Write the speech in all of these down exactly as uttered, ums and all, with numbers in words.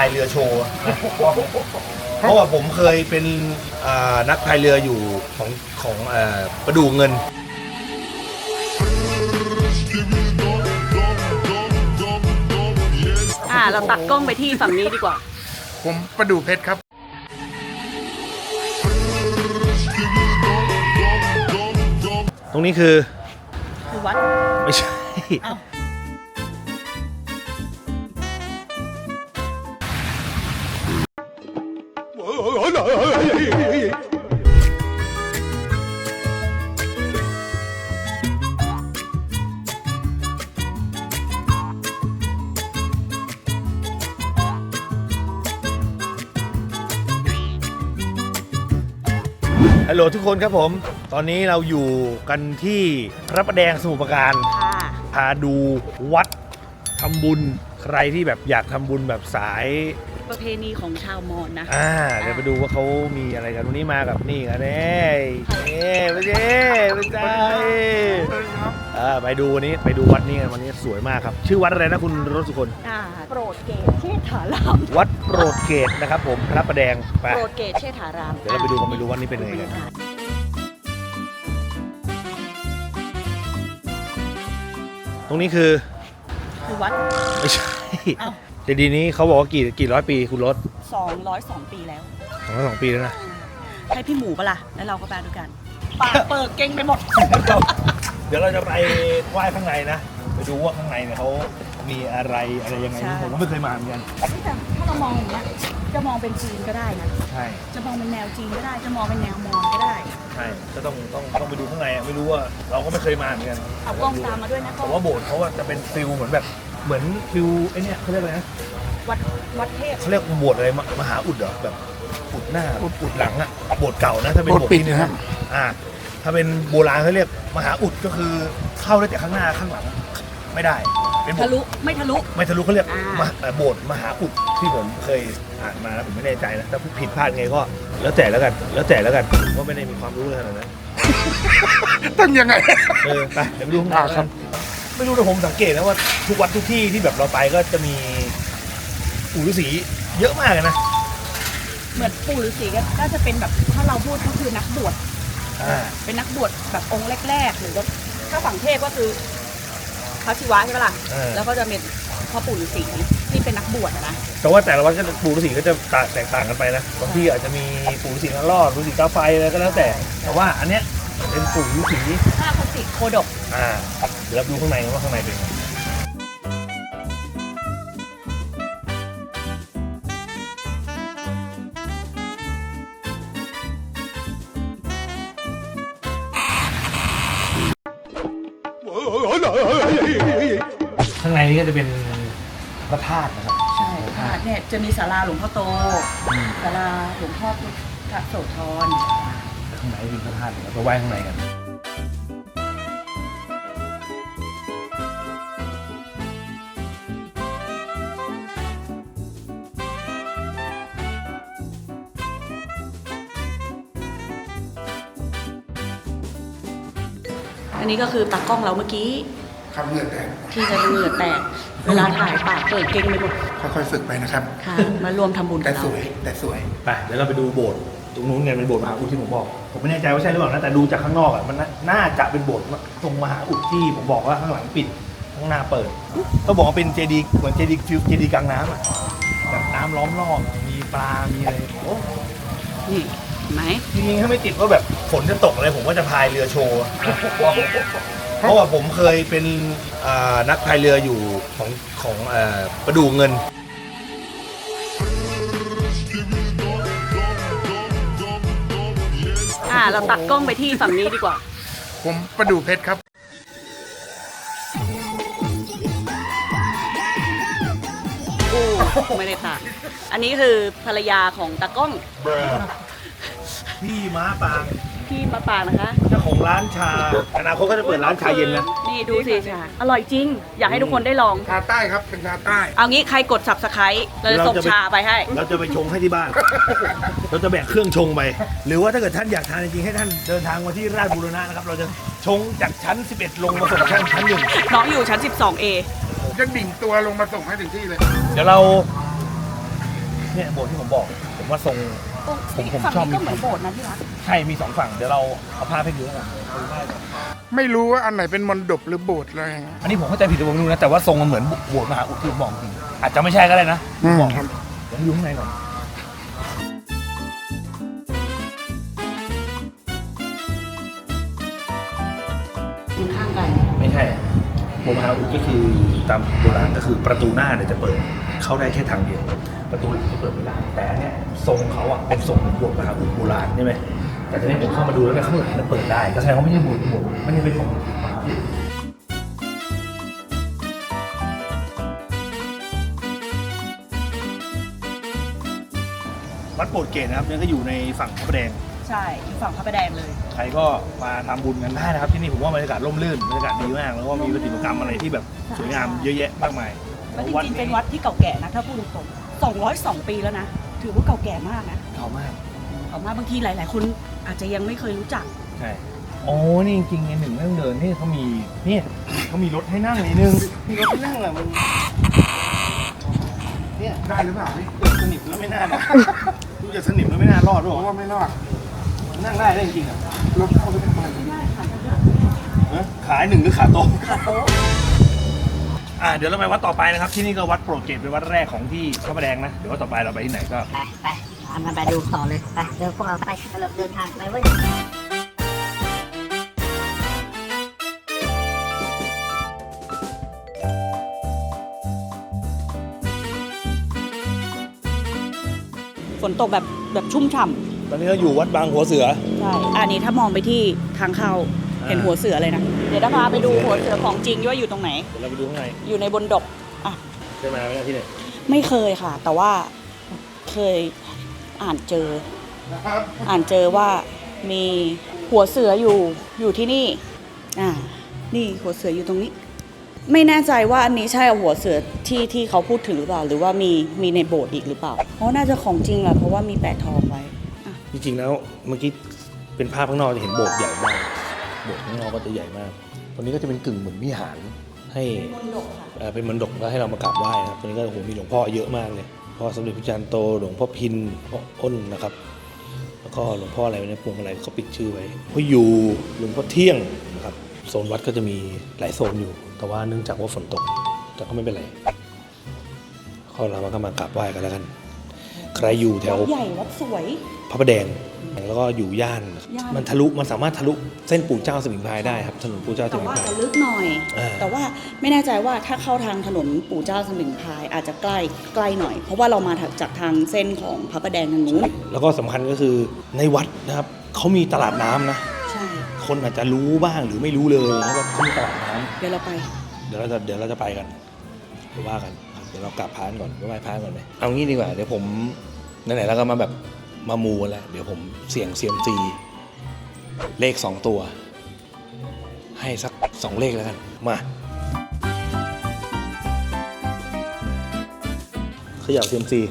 ายเรือโชว์นะเพราะว่าผมเคยเป็นนักพายเรืออยู่ของของประดู่เงินอ่าเราตัดกล้องไปที่ฝั่งนี้ดีกว่าผมประดู่เพชรครับตรงนี้คือคือวัดไม่ใช่ฮัลโหลทุกคนครับผมตอนนี้เราอยู่กันที่พระประแดงสมุทรปราการพาดูวัดทำบุญใครที่แบบอยากทำบุญแบบสายประเพณีของชาวมอญนะอ่าเดี๋ยวไปดูว่าเขามีอะไรกันวันนี้มากับนี่กันเน่เน่ไปเจ้ไปใจอ่าไปดูวันนี้ไปดูวัดนี้กันวันนี้สวยมากครับชื่อวัดอะไรนะคุณรสสุคนอ่าโปรดเกตเชษฐารามวัดโปรดเกตนะครับผมพระประแดงไปโปรดเกตเชษฐารามเดี๋ยวเราไปดูกันไปดูวัดนี้เป็นยังไงกันตรงนี้คือคือวัดไม่ใช่เจดีย์นี้เขาบอกว่ากี่กี่ร้อยปีคุณรถสองร้อยสองปีแล้วสองร้อยสองปีแล้วนะให้พี่หมูปะล่ะแล้วเราก็ไปด้วยกันปากเปิดเก่งไปหมดเดี๋ยวเราจะไปไหว้ข้างในนะไปดูว่าข้างในเนี่ยเขามีอะไรอะไรยังไงผมก็ไม่เคยมาเหมือนกันแต่ถ้าเรามองอย่างเงี้ยจะมองเป็นจีนก็ได้นะใช่จะมองเป็นแนวจีนก็ได้จะมองเป็นแนวมอญก็ได้ใช่ก็ต้องต้องต้องไปดูข้างในอ่ะไม่รู้ว่าเราก็ไม่เคยมาเหมือนกันเอากล้องตามมาด้วยนะผมว่าโบสถ์เขาว่าจะเป็นฟิลเหมือนแบบเหมือนฟิลไอ้นี่เขาเรียกอะไรนะวัดวัดเทพเขาเรียกโบสถ์อะไรมหาอุดเหรอแบบอุดหน้าอุดหลังอ่ะโบสถ์เก่านะถ้าเป็นโบสถ์ปิดนะครับอ่าถ้าเป็นโบราณเขาเรียกมหาอุดก็คือเข้าได้แต่ข้างหน้าข้างหลังไม่ได้เป็นทะลุไม่ทะลุไม่ทะลุเขาเรียกโบสถ์มหาอุดที่ผมเคยอ่านมาแล้วผมไม่แน่ใจนะถ้าผิดพลาดไงก็แล้วแต่แล้วกันแล้วแต่แล้วกันว่าไม่ได้มีความรู้เลยขนาดนั้นต้องยังไงเออไปเดี๋ยวไปดูข้างในครับไม่รู้แต่ผมสังเกตนะว่าทุกวัดทุกที่ที่แบบเราไปก็จะมีปู่ฤาษีเยอะมากเลยนะเหมือนปู่ฤาษีก็จะเป็นแบบถ้าเราพูดก็คือนักบวชเป็นนักบวชแบบองค์แรกๆหรือว่าถ้าฝั่งเทพก็คือพระศิวะใช่ไหมล่ะแล้วก็จะเป็นพ่อปู่ฤาษีที่เป็นนักบวชนะแต่ว่าแต่ละวัดก็ปู่ฤาษีก็จะแตกต่างกันไปนะบางที่อาจจะมีปู่ฤาษีนรอดฤาษีตาไฟอะไรก็แล้วแต่แต่ว่าอันเนี้ยเป็นปู่ฤาษีห้าพระศิษย์โคดกอ่าเดี๋ยวเราดูข้างในว่าข้างในเป็นไงข้างในนี้ก็จะเป็นพระธาตุนะครับใช่พระธาตุเนี่ยจะมีศาลาหลวงพ่อโตศาลาหลวงพ่อพุทธโสธรข้างในเป็นพระธาตุเราไปไหว้ข้างในกันอันนี้ก็คือตากล้องเราเมื่อกี้คำเหงื่อแตกที่จะเหงื่อแตกเวลาถ่ายปากเปิดเก่งไปหมดค่อยๆฝึกไปนะครับค่ะมารวมทำบุญแต่สวยแต่สวยไปเดี๋ยวเราไปดูโบสถ์ตรงนู้นไงเป็นโบสถ์มหาอุดที่ผมบอกผมไม่แน่ใจว่าใช่หรือเปล่านะแต่ดูจากข้างนอกอ่ะมันน่าจะเป็นโบสถ์ตรงมหาอุดที่ผมบอกว่าข้างหลังปิดข้างหน้าเปิดต้องบอกว่าเป็นเจดีย์เหมือนเจดีย์ฟิวเจดีย์กลางน้ำอ่ะแบบน้ำล้อมรอบมีปลามีอะไรโอ้นี่ไหมจริงๆถ้าไม่ติดว่าแบบฝนจะตกอะไรผมก็จะพายเรือโชว์เพราะว่าผมเคยเป็นนักพายเรืออยู่ของของประดู่เงินอ่าเราตัดกล้องไปที่ฝั่งนี้ดีกว่าผมประดู่เพชรครับไม่ได้ตัดอันนี้คือภรรยาของตากล้องพี่ม้าปางพี่ม้าปางนะคะเจ้าของร้านชาอนาคตก็จะเปิดร้านชาเย็นนะนี่ดูสิชาอร่อยจริงอยากให้ทุกคนได้ลองชาใต้ครับเป็นชาใต้เอางี้ใครกด ซับสไครบ์ เราจะส่งชาไปให้เราจะไปชงให้ที่บ้านเราจะแบกเครื่องชงไปหรือว่าถ้าเกิดท่านอยากทานจริงๆให้ท่านเดินทางมาที่ราชบูรณะนะครับเราจะชงจากชั้นสิบเอ็ดลงมาส่งชั้นชั้นหนึ่งน้องอยู่ชั้นสิบสองเอจะดิ่งตัวลงมาส่งให้ถึงที่เลยเดี๋ยวเราเนี่ยโบสถ์ที่ผมบอกผมว่าทรง ผมผมฝั่งชอบนี้ก็เหมือนโบสถ์นะพี่รักใช่มีสองฝั่งเดี๋ยวเราเอาภาพให้ดูแล้วกันเอาดูได้ก่อนไม่รู้ว่าอันไหนเป็นมณฑปหรือโบสถ์อะไรอย่างเงี้ยอันนี้ผมเข้าใจผิดหรือผมไม่รู้นะแต่ว่าทรงมันเหมือนโบสถ์มหาอุดที่ผมบอกจริงอาจจะไม่ใช่ก็ได้นะผมบอกครับเดี๋ยวให้ดูข้างในก่อนยืนข้างกันไม่ใช่โบสถ์มหาอุดก็คือตามโบราณก็คือประตูหน้าเนี่ยจะเปิดเข้าได้แค่ทางเดียวประตูหลังจะเปิดไม่ได้แต่อันเนี่ยทรงเขาอ่ะเป็นทรงเหมือนโบสถ์มหาอุดโบราณใช่ไหมแต่ทีนี้ผมเข้ามาดูแล้วเนี่ยข้างหลังมันเปิดได้ก็แสดงว่าไม่ใช่โบสถ์โบสถ์ไม่ใช่เป็นของมหาอุดวัดโบสถ์เกตนะครับเนี่ยก็อยู่ในฝั่งพระประแดงใช่อยู่ฝั่งพระประแดงเลยใครก็มาทำบุญกันได้นะครับที่นี่ผมว่าบรรยากาศร่มรื่นบรรยากาศดีมากแล้วก็มีประติมากรรมอะไรที่แบบสวยงามเยอะแยะมากมายแล้วจริงๆเป็นวัดที่เก่าแก่นะถ้าพูดตรงๆสองร้อยสองปีแล้วนะถือว่าเก่าแก่มากนะเก่ามากออกมาบางทีหลาย ๆ คนอาจจะยังไม่เคยรู้จักใช่โอ้นี่จริงๆในหนึ่งเรื่องเดินนี่เขามีเนี่ยเขามีรถให้นั่งนิดนึงมีรถให้นั่งอะมันเนี่ยได้หรือเปล่าพี่เกิดสนิมแล้วไม่น่ารอดดูจะสนิมแล้วไม่น่ารอดหรผอมว่าไม่รอดนั่งได้ได้จริงๆอ่ะรถเข้าไปทำไมฮะขายหนึ่งหรือขาโต๊ะขาโต๊ะอ่าเดี๋ยวเราไปวัดต่อไปนะครับที่นี่ก็วัดโปรดเกตเป็นวัดแรกของที่พระประแดงนะเดี๋ยววัดต่อไปเราไปที่ไหนก็ไปไปตามกันไปดูต่อเลย ไปเดินพวกเราไปเราเดินทางไปเว้ยฝนตกแบบแบบชุ่มฉ่ตอนนี้เราอยู่วัดบางหัวเสือำใช่อันนี้ถ้ามองไปที่ทางเข้าอ่าเห็นหัวเสือเลยนะเดี๋ยวจะพาไปดูหัวเสือของจริงว่าอยู่ตรงไหนเดี๋ยวเราไปดูข้างในอยู่ในบนดกอ่ะเคยมาไหมที่ไหนไม่เคยค่ะ แต่ว่าเคยอ่านเจอ อ่านเจอว่ามีหัวเสืออยู่อยู่ที่นี่ อ่า นี่หัวเสืออยู่ตรงนี้ ไม่แน่ใจว่าอันนี้ใช่หัวเสือที่ที่เขาพูดถึงหรือเปล่า หรือว่ามีมีในโบสถ์อีกหรือเปล่าเพราะน่าจะของจริงแหละเพราะว่ามีแปะทองไว้อ่ะจริงๆแล้วเมื่อกี้เป็นภาพข้างนอกจะเห็นโบสถ์ใหญ่มากโบสถ์ข้างนอกก็จะใหญ่มากตรงนี้ก็จะเป็นกึ่งเหมือนวิหารให้เอ่อเป็นมณฑปแล้วให้เรามากราบไหว้นะครับตรงนี้ก็โอ้โหมีหลวงพ่อเยอะมากเลยพ่อสมเด็จพระจันทร์โตหลวงพ่อพินพ่ออ้นนะครับแล้วก็หลวงพ่ออะไรเนี่ยพวงอะไรเขาปิดชื่อไว้พ่ออยู่หลวงพ่อเที่ยงนะครับโซนวัดก็จะมีหลายโซนอยู่ แต่ว่าเนื่องจากว่าฝนตกแต่ก็ไม่เป็นไรข้อเรามาก็มากราบไหว้กันแล้วกัน ใครอยู่แถววัดใหญ่วัดสวยพระประแดงแล้วก็อยู่ย่านย่านมันทะลุมันสามารถทะลุเส้นปู่เจ้าสมิงพรายได้ครับถนนปู่เจ้าสแต่มิงว่าพรายจะลึกหน่อยอ่าแต่ว่าไม่แน่ใจว่าถ้าเข้าทางถนนปู่เจ้าสมิงพรายอาจจะใกล้ใกล้หน่อย เพราะว่าเรามาจากทางเส้นของพระประแดงทางนู้นแล้วก็สำคัญก็คือในวัดนะครับเขามีตลาดน้ำนะใช่คนอาจจะรู้บ้างหรือไม่รู้เลยนะว่าเขามีตลาดน้ำเดี๋ยวเราไปเดี๋ยวเราจะเดี๋ยวเราจะไปกันไปว่ากันครับเดี๋ยวเรากลับพานก่อนไปไหว้พานก่อนไหมเอางี้ดีกว่าเดี๋ยวผมไหนๆเราก็มาแบบมามูกันแล้วเดี๋ยวผมเสี่ยงเซียมซีเลขสองตัว ให้สักสองเลขแล้วกันมาเขย่าเซียมซี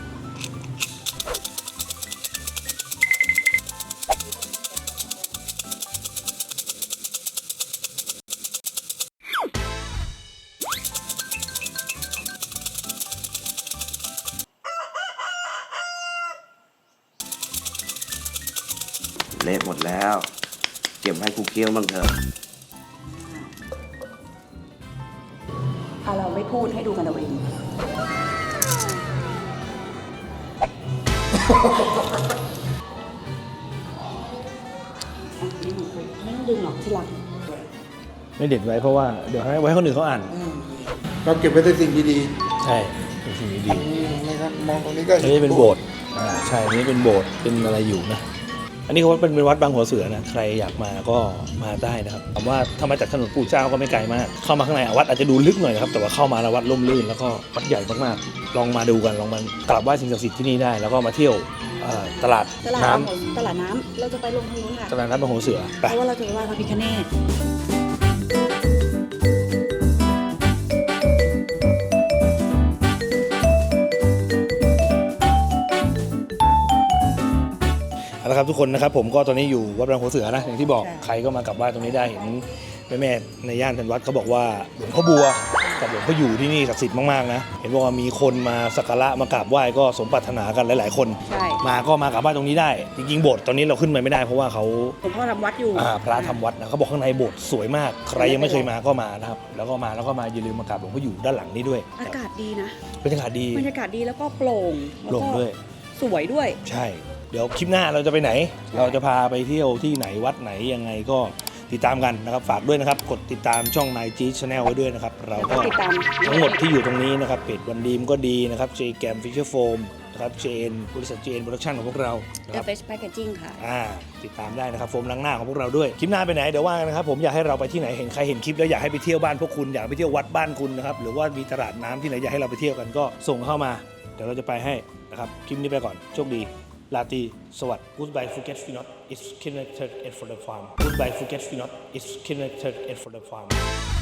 เละหมดแล้ว เก็บให้กูเคี้ยวบ้างเถอะถ้าเราไม่พูดให้ดูกันเอาเอง ไม่ต้องดึงหรอกที่หลังไม่เด็ดไว้เพราะว่าเดี๋ยวให้ไว้ให้คนอื่นเขาอ่านเราเก็บไว้แต่สิ่งดีใช่เป็นสิ่งๆดีอืมนะครับมองตรงนี้ก็ๆอันนี้เป็นโบสถ์อ่าใช่อันนี้เป็นโบสถ์เป็นอะไรอยู่นะอันนี้เขาว่าเป็นวัดบางหัวเสือนะใครอยากมาก็มาได้นะครับถามว่าถ้ามาจากถนนปู่เจ้าก็ไม่ไกลมากเข้ามาข้างในวัดอาจจะดูลึกหน่อยนะครับแต่ว่าเข้ามาแล้ววัดร่มรื่นแล้วก็วัดใหญ่มากๆลองมาดูกันลองมากราบไหว้สิ่งศักดิ์สิทธิ์ที่นี่ได้ แล้วก็มาเที่ยวเอ่อตลาดตลาดน้ำน้ำตลาดน้ำเราจะไปลงทางนู้นค่ะตลาดน้ำบางหัวเสือไปเพราะว่าเราจะไปไหว้พระพิฆเนศเอาละครับทุกคนนะครับผมก็ตอนนี้อยู่วัดบางหัวเสือนะอย่างที่บอกใครก็มากราบไหว้ตรงนี้ได้เห็นแม่ๆในย่านเป็นวัดเขาบอกว่าหลวงพ่อบัวใช่กับหลวงพ่ออยู่ที่นี่ศักดิ์สิทธิ์มากๆนะเห็นบอกว่ามีคนมาสักการะมากราบไหว้ก็สมปรารถนากันหลายๆคนใช่มาก็มากราบไหว้ตรงนี้ได้จริงๆโบสถ์ตอนนี้เราขึ้นไปไม่ได้เพราะว่าเขาหลวงพ่อทำวัดอยู่อ่าพระทำวัดนะเขาบอกข้างในโบสถ์สวยมากใครยังไม่เคยมาก็มานะครับแล้วก็มาแล้วก็มาอย่าลืมมากราบหลวงพ่ออยู่ด้านหลังนี้ด้วยอากาศดีนะบรรยากาศดีบรรยากาศดีแล้วก็โปร่งโปร่งด้วยสวยด้วยใช่ เดี๋ยวคลิปหน้าเราจะไปไหน เราจะพาไปเที่ยวที่ไหนวัดไหนยังไงก็ติดตามกันนะครับฝากด้วยนะครับกดติดตามช่อง ไนจี Channel ไว้ด้วยนะครับเราก็ติดตามทั้งหมดที่อยู่ตรงนี้นะครับเพจวันดีมก็ดีนะครับ J Gam Fisher Foam นะครับ เจ เอ็น บริษัท เจ เอ็น Production ของพวกเรานะค The รับ Best Packaging ค่ะอ่าติดตามได้นะครับโฟมล้างหน้าของพวกเราด้วยคลิปหน้าไปไหนเดี๋ยวว่ากันนะครับผมอยากให้เราไปที่ไหนเห็นใครเห็นคลิปแล้วอยากให้ไปเที่ยวบ้านพวกคุณอยากไปเที่ยววัดบ้านคุณนะครับหรือว่ามีตลาดน้ำที่ไหนอยากให้เราไปเที่ยวกันก็ส่งเข้ามาเดี๋ยวเราจะไปให้นะครับคลิปนี้ไปก่อนโชคดีลาตรีสวัสดี Goodbye Phuket Finot it's connected and for the farm Goodbye Phuket Finot it's connected and for the farm